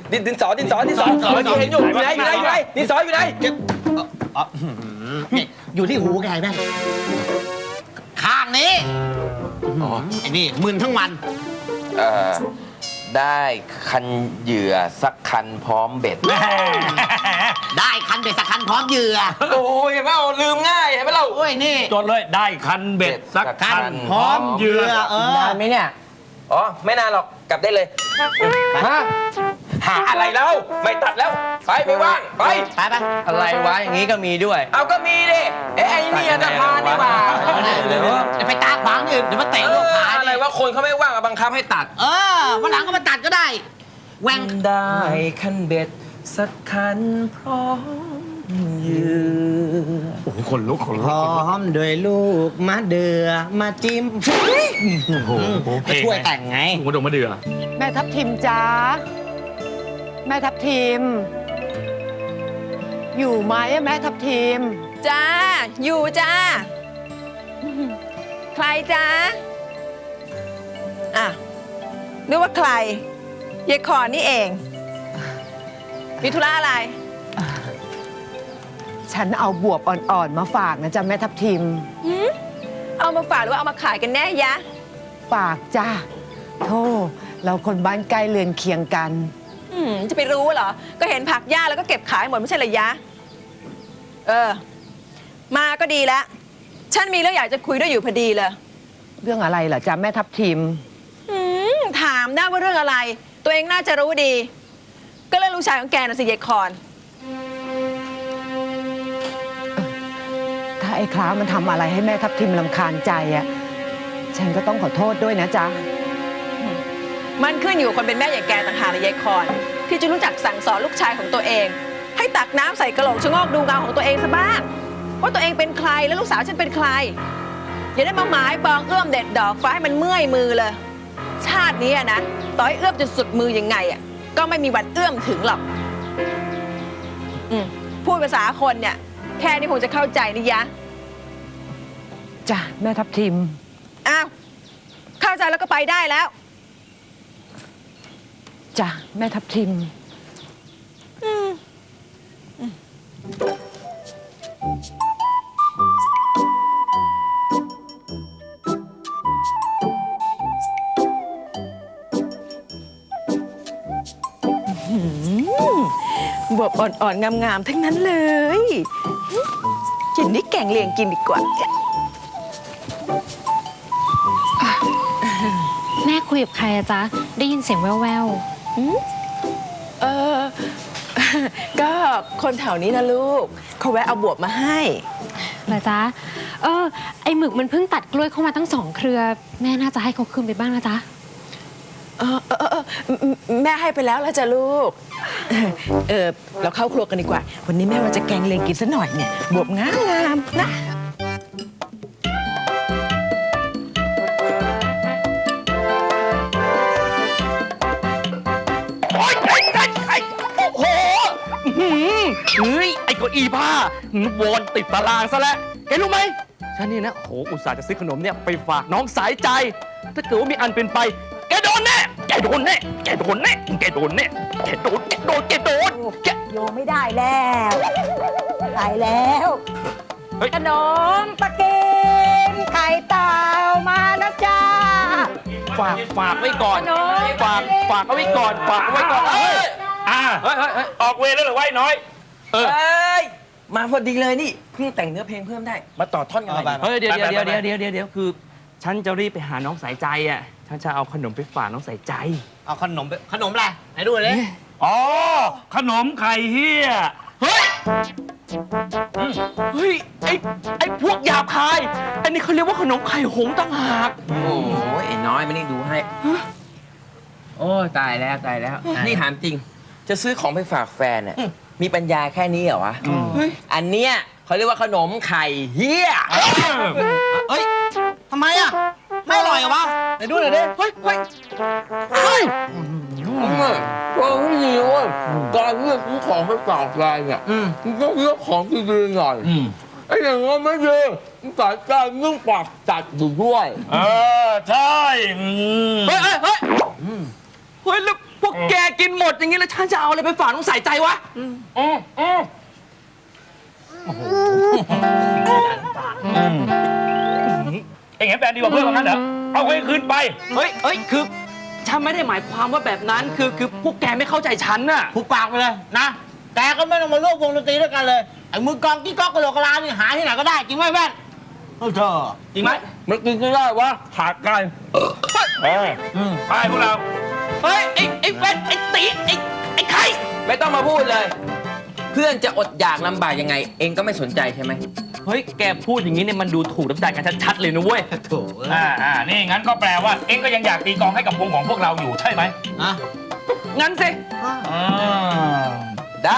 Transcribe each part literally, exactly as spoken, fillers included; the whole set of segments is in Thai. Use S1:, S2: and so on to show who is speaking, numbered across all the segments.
S1: ดินดินสอดินสอดินสอ
S2: ดินสอ
S1: เมื่อกี้เห็นอยู่อยู่ไหนอยู่ไหนอยู่ไหนดินสออยู่ไหน
S3: อ๋อนี่อยู่ที่หูแกไหมข้างนี้
S1: อ๋อ
S3: ไอ้นี่มึนทั้งวัน
S1: เอ่อได้คันเหยื่อสักคันพร้อมเบ็ด
S3: ได้คันเบ็ดสักคันพร้อมเหยื่อ
S1: โอ้ยเห็นไหมเอาลืมง่ายเห็นไหมเรา
S3: โอ้ยนี่
S2: จดเลยได้คันเบ็ดสักคัน
S3: พร้อมเหยื่อเออ
S4: นานไหมเนี่ย
S1: อ๋อไม่นานหรอกกลับได้เลยฮะหาอะไรแล้วไม่ตัดแล้วไปไม่ว่างไป
S3: ไปไป
S1: อะไรวะอย่างนี้ก็มีด้วย เอาก็มีดิเอ้ไอ้นี่อันธพาลนี่หว่า
S3: เดี๋ยวไปตาขวางนี่อื่นเดี๋ยวมาเตะ
S1: เอ
S3: ลูก
S1: อ
S3: ขา
S1: อะไรว่าคนเขาไม่ว่างอะบังคับให้ตัด
S3: เออวันหลังก็มาตัดก็ได้แหวง
S1: ได้คันเบ็ดสักคันพร้อมเหยื่อ
S2: โอ้โหคนลุกคน
S3: พ
S2: ลุก
S3: ร้อมด้วยลูกมาเดือมาจิ้ม
S2: โอ้โห
S3: ก็ช่วยแต่งไง
S2: โอ้โหดงมะเดือ
S4: แม่ทับทิมจ้าแม่ทับทิม อยู่ไหมอะแม่ทับทิม
S5: จ้า อยู่จ้า ใครจ้าอ่ะนึกว่าใครยายขอนนี่เอง มีธุระอะไร
S4: ฉันเอาบวบอ่อนๆมาฝากนะจ๊ะแม่ทับทิม
S5: หืมเอามาฝากหรือว่าเอามาขายกันแน่ยะ
S4: ฝากจ้าโธ่เราคนบ้านใกล้เรือนเคียงกัน
S5: อืมจะไปรู้เหรอ ก็เห็นผักหญ้าแล้วก็เก็บขายหมดไม่ใช่เหรอยะ เออ มาก็ดีแล้ว ฉันมีเรื่องอยากจะคุยด้วยอยู่พอดีเลย
S4: เรื่องอะไรเหรอจ๊ะแม่ทับทิม
S5: อืมถามได้ว่าเรื่องอะไร ตัวเองน่าจะรู้ดี ก็เรื่องลูกชายของแกน่ะสิยายคอน
S4: ถ้าไอ้คล้ามันทำอะไรให้แม่ทับทิมรำคาญใจอะฉันก็ต้องขอโทษด้วยนะจ๊ะ
S5: มันขึ้นอยู่กับคนเป็นแม่อย่างแกต่างหากเลยยายคอน ที่จะรู้จักสั่งสอนลูกชายของตัวเอง ให้ตักน้ำใส่กระโหลกชะโงกดูเงาของตัวเองซะบ้าง ว่าตัวเองเป็นใครและลูกสาวฉันเป็นใคร อย่าได้มาหมายปองเอื้อมเด็ดดอกฟ้าให้มันเมื่อยมือเลย ชาตินี้อะนะต่อให้เอื้อมจนสุดมือยังไงอะก็ไม่มีวันเอื้อมถึงหรอกอืมพูดภาษาคนเนี่ย แค่นี้คงจะเข้าใจนี่ยะ
S4: จ้ะแม่ทับทิม
S5: อ้าวเข้าใจแล้วก็ไปได้แล้ว
S4: จ้ะแม่ทับทิม
S5: บวบอ่อนๆ งามๆ ทั้งนั้นเลยกินนี่แกงเลียงกินดีกว่า
S6: แม่คุยกับใครอะจ๊ะ ได้ยินเสียงแว่ว
S5: เออ ก็คนแถวนี้นะลูก เขาแวะเอาบวบมาให้
S6: ๆเหรอจ๊ะ เออ ไอหมึกมันเพิ่งตัดกล้วยเข้ามาตั้งสองเครือ แม่น่าจะให้เขาคืนไปบ้างนะจ๊ะ
S5: เออเออเออแม่ให้ไปแล้วแล้วจ้ะลูก เออเราเข้าครัวกันดีกว่า วันนี้แม่ว่าจะแกงเลียงกินซะหน่อยเนี่ย บวบงามๆนะ
S1: โอ้ยไอ้ไอ้ไอ้โอ้โหอื้อหือเฮ้ยไอ้เก้าอี้ผ้าหือวอนติดตารางซะแล้วแกรู้ไหมฉันนี่นะโหอุตส่าห์จะซื้อขนมเนี่ยไปฝากน้องสายใจ ถ้าเกิดว่ามีอันเป็นไปแกโดนแน่แกโดนแน่แกโดนแน่แกโดนแน่แกโดนแกโดนแกโดนแก
S7: โยไม่ได้แล้วตายแล้ว
S1: เฮ้ย
S7: ขนมปลาเกนไข่เต่ามานะจ๊ะ
S1: ฝากฝากไว้ก่อน
S7: ขนม
S1: ฝากฝากเอาไว้ก่อนฝากเอาไว้ก่อนเอ้ย
S2: อ่า
S1: เฮ้ยเฮ้ยเฮ้ย
S2: ออกเวรแล้วเหรอวะไอ้น้อย
S1: เออ
S8: เอ้ย มาพอดีเลยนี่เพิ่งแต่งเนื้อเพลงเพิ่มได้ มาต่อท่อนกันหน่อยดิ
S1: เฮ้ยเดี๋ยว
S2: ไป
S1: เดี๋ยว
S2: ไป
S1: เดี๋ยว
S2: ไป
S1: เดี๋ยวเดี๋ยวเดี๋ยวคือ ฉันจะรีบไปหาน้องสายใจอ่ะฉันจะเอาขนมไปฝากน้องสายใจ
S3: เอาขนมไปขนมอะไรไหนดูหน่อยดิ
S2: อ๋อ ขนมไข่เฮีย
S1: เฮ้ย เฮ้ย ไอ้ไอ้พวกหยาบคาย อันนี้เขาเรียกว่าขนมไข่หงส์ต่างหาก
S8: โอ้โหไอ้น้อยไม่ได้ดูให้ โอ้ยตายแล้วตายแล้ว นี่ถามจริง จะซื้อของไปฝากแฟนเนี่ยมีปัญญาแค่นี้เหรอวะ
S1: เฮ้ย
S8: อันเนี้ยเขาเรียกว่าขนมไข่เฮีย
S3: เฮ้ยทำไมอ่ะ ไม่อร่อยเหรอวะไหนดูหน่อยดิ
S1: เฮ้ย เฮ้ย เฮ้ย
S9: ฟังให้ดีว่าการเลือกซื้อของไปฝากแฟนเนี่ยมันต้องเลือกของดีๆหน่อยไอ้อย่างงั้นไม่ดีสายการเรื่องปากจัดอยู่ด้วย
S2: เออ ใช่อืม
S1: เฮ้ย เฮ้ย เฮ้ย เฮ้ย แล้วพวกแกกินหมดอย่างงี้แล้วฉันจะเอาอะไรไปฝากน้องสายใจวะ
S2: อืมอืมเอ็งเห็นแฟนดีกว่าเพื่อนว่างั้นเหรอ เอาไว้คืนไป
S1: เฮ้ย เฮ้ย คือฉันไม่ได้หมายความว่าแบบนั้น คือ คือพวกแกไม่เข้าใจฉันน่ะ
S3: ผูกปากไปเลยนะ แกก็ไม่ต้องมาร่วมวงดนตรีด้วยกันเลย ไอ้มือกลองกี้ก๊อกกระโหลกกระลานี่หาที่ไหนก็ได้ จริงไหมแว่นเออเธอ
S2: จริงไหม
S9: มันกินไม่ได้วะขาดกัน
S2: เออไปพวกเรา
S1: เฮ้ย ไอ้ ไอ้แว่นไอ้ตีไอ้ ไอ้ไข่
S8: ไม่ต้องมาพูดเลย เพื่อนจะอดอยากลำบากยังไง เองก็ไม่สนใจใช่ไหม
S1: เฮ้ย แกพูดอย่างนี้เนี่ยมันดูถูกน้ำใจกันชัดๆเลยนะเว้ย
S3: โถ่เอ้ย
S2: อ่าอ่านี่งั้นก็แปลว่า เอ็งก็ยังอยากตีกลองให้กับวงของพวกเราอยู่ใช่ไหม
S3: อะ
S1: งั้นสิ
S2: อ่า
S8: ได้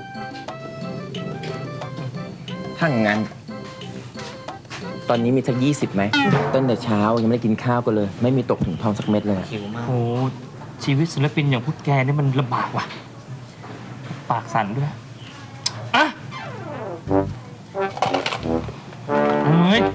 S8: ถ้างั้น ตอนนี้มีสักยี่สิบไหม ต้นแต่เช้ายังไม่ได้กินข้าวกันเลย ไม่มีตกถึงท้องสักเม็ดเลย
S3: หิวมาก
S1: โอ้ชีวิตศิลปินอย่างพวกแกนี่มันลำบากว่ะ ปากสั่นด้วย อ่ะเฮ้ย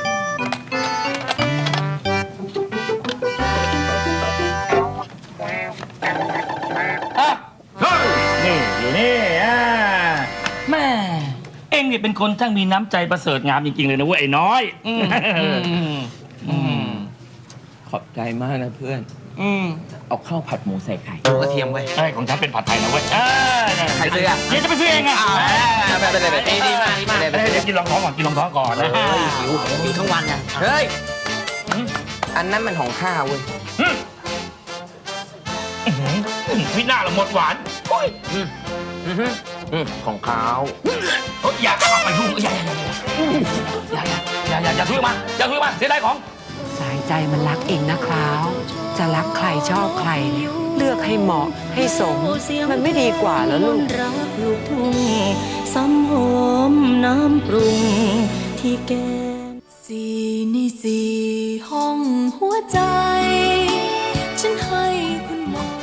S2: อ่ะเฮ้ยนี่อยู่นี่อ่าแม่เอ็งนี่เป็นคนช่างมีน้ำใจประเสริฐงามจริงๆเลยนะเว้ยไอ้น้อย
S1: อืมอืม
S8: ขอบใจมากนะเพื่อน
S1: อืม
S8: เอาข้าวผัดหมูใส่ไข่
S3: หมูกระเทียมเว้ย
S2: ใช่ของฉันเป็นผัดไทยนะเว้ยอ่า
S8: ใครซื้ออ่ะ
S2: เดี๋ยวจะไปซื้อเองอ่ะ
S8: ไปไปไปไปดีมากดีมาก
S2: เดี๋ยวกินรองท้องก่อนกินรองท้องก่อนนะ
S3: หิวหิวทั้งวันเนี่ย
S8: เฮ้ยอันนั้นมันของข้าเว้ย
S2: วินาศละหมดหวานโอ้ย
S8: อืมอืมของเขา
S2: เฮ้ยอย่าเอาไปยุ่งอย่าอย่าอย่าอย่าอย่าอย่าอย่าทุยมาอย่าทุยมาเสียดายของ
S4: สายใจมันรักเองนะคราว จะรักใครชอบใครเนี่ยเลือกให้เหมาะให้สม มันไม่ดีกว่าแล้วลูก
S10: รักลูกทุ่งซ้ำหอมน้ำปรุงที่แก้มสี่ในสี่ห้องหัวใจ ฉันให้คุณหมด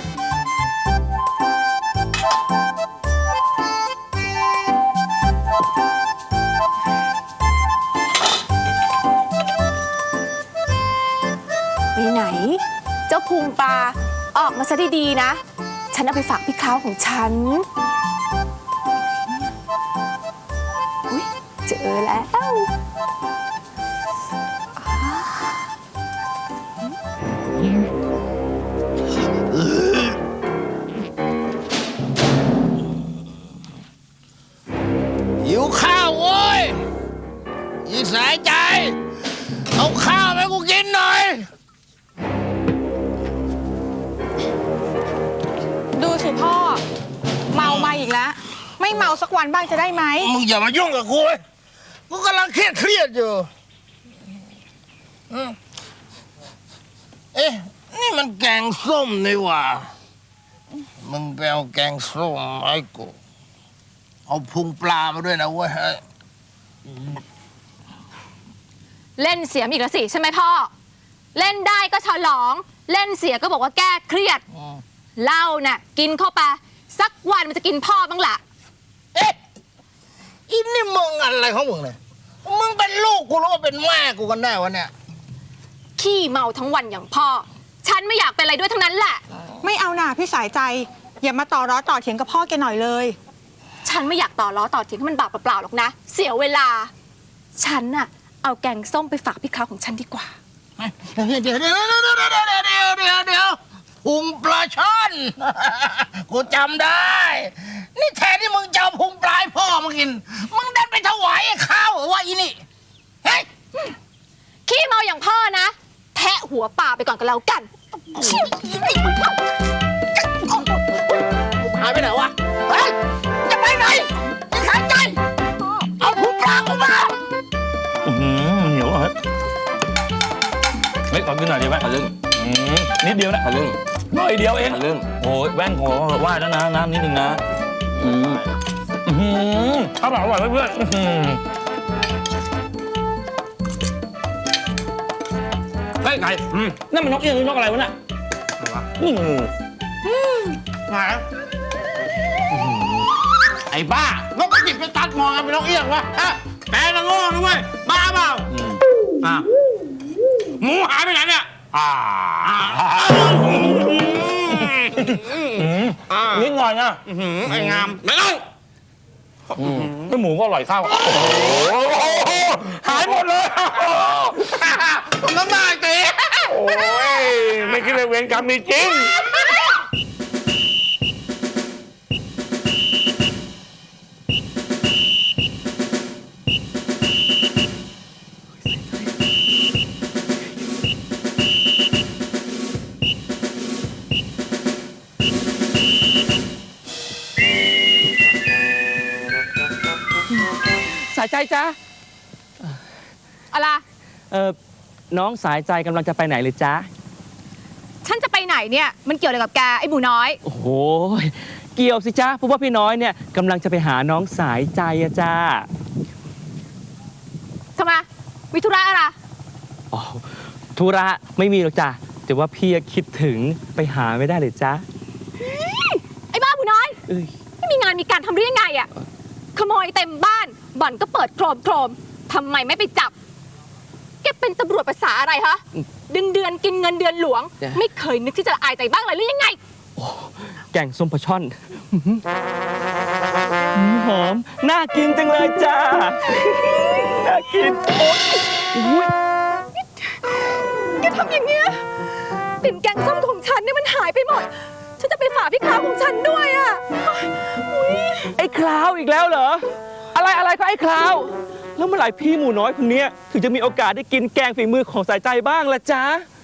S11: ไปไหน เจ้าพุงปลาออกมาซะดีๆนะ ฉันเอาไปฝากพี่คราวของฉัน อุ๊ย เจอแล้ว
S3: หิวข้าวโว้ยอีสายใจ เอาข้าวให้กูกินหน่อย
S7: ดูสิพ่อ เมามาอีกแล้ว ไม่เมาสักวันบ้างจะได้ไหม
S3: มึงอย่ามายุ่งกับกูเลยกูกำลังเครียดเครียดอยู่อืมเอ๊ะ นี่มันแกงส้มนี่หว่า มึงไปเอาแกงส้มมาให้กู เอาพุงปลามาด้วยนะเว้ย
S11: เล่นเสียมอีกแล้วสิใช่ไหมพ่อ เล่นได้ก็ฉลอง เล่นเสียก็บอกว่าแก้เครียด เหล้าน่ะกินเข้าไปสักวันมันจะกินพ่อบ้างล่ะ
S3: เอ๊ะอินนี่มึงอะไรของมึงเนี่ย มึงเป็นลูกกูหรือว่าเป็นแม่กูกันแน่วะเนี่ย
S11: ขี้เมาทั้งวันอย่างพ่อ ฉันไม่อยากเป็นอะไรด้วยทั้งนั้นแหละ
S7: ไม่เอาหน่าพี่สายใจ อย่ามาต่อร้อต่อเถียงกับพ่อแกหน่อยเลย
S11: ฉันไม่อยากต่อล้อต่อเถียงให้มันบาปเปล่าๆหรอกนะ เสียเวลา ฉันน่ะเอาแกงส้มไปฝากพี่คราวของฉันดีกว่า
S3: เดี๋ยวเดี๋ยวเดี๋ยวเดี๋ยวเดี๋ยวเดี๋ยวเดี๋ยวเดี๋ยวเดี๋ยวพุงปลาช่อน กูจำได้ นี่แทนที่มึงจะเอาพุงปลายพ่อมากิน มึงดันไปถวายไอ้ข้าวเหรอวะอีนี่เฮ้ย
S11: ขี้เมาอย่างพ่อนะ แทะหัวป่าไปก่อนก็แล้วกัน
S3: หายไปไหนวะเฮ้ยจะไปไหนไอ้สายใจ เอาพุงปลากูมา
S2: อื้อหือเหนียวเหรอเฮ้ยขอกินหน่อยดีไหม
S8: ทะลึ่ง
S2: อืมนิดเดียวนะ
S8: ทะลึ่ง
S2: หน่อยเดียวเอง
S8: ทะลึ่ง
S2: โอ้ยแว่นขอไหว้แล้วนะน้ำนิดนึงนะ
S8: อืม
S2: อื้อหืออร่อยอร่อยเพื่อนๆอื้อหือเฮ้ยไก่อืมนั่นมันนกเอี้ยงหรือนกอะไรวะน่ะอืม
S3: ไงไอ้บ้าแล้วก็จิบไปตัดมองกันเป็นนกเอี้ยงวะฮะแปลนะโง่นะเว้ย บ้าเปล่าอ่ะหมูหายไปไหนเนี่ย
S2: อ่านิดหน่อยนะ
S3: ไอ้งามไม่ต้อง
S2: ไม่หมูก็อร่อยข้าวโอ้โหหายหมดเลย
S3: น้ำหนักตี
S2: โอ้ยไม่คิดเลยเวรกรรมมีจริง
S1: สายใจจ้า
S11: อะไร
S1: เออน้องสายใจกำลังจะไปไหนเลยจ้า
S11: ฉันจะไปไหนเนี่ย มันเกี่ยวอะไรกับแกไอ้หมูน้อย
S1: โอ้โหเกี่ยวสิจ้าเพราะว่าพี่น้อยเนี่ยกำลังจะไปหาน้องสายใจอะจ้า
S11: ทำไมวิทุระอะไร
S1: อ๋อธุระไม่มีหรอกจ้าแต่ว่าพี่คิดถึงไปหาไม่ได้เลยจ้า
S11: ไอ้บ้าหมูน้อย
S1: เอ้ย
S11: ไม่มีงานมีการทำหรือยังไงอะขโมยเต็มบ้าน บ่อนก็เปิดโครมโครมทำไมไม่ไปจับ แกเป็นตำรวจภาษาอะไรฮะ เดือนเดือนกินเงินเดือนหลวง ไม่เคยนึกที่จะละอายใจบ้างเลยหรือยังไง
S1: แกงส้มปลาช่อนหืมหอม น่ากินจังเลยจ้า น่ากินโอ๊ยอุ๊ย
S11: แกทำอย่างเงี้ยปิ่นแกงส้มของฉันเนี่ยมันหายไปหมด ฉันจะไปฝากพี่ค้าของฉันด้วยอะอุ๊ย
S1: ไอ้คลาวอีกแล้วเหรอ อะไรอะไรก็ไอ้คลาว แล้วเมื่อไหร่พี่หมูน้อยคนนี้ถึงจะมีโอกาสได้กินแกงฝีมือของสายใจบ้างล่ะจ๊ะ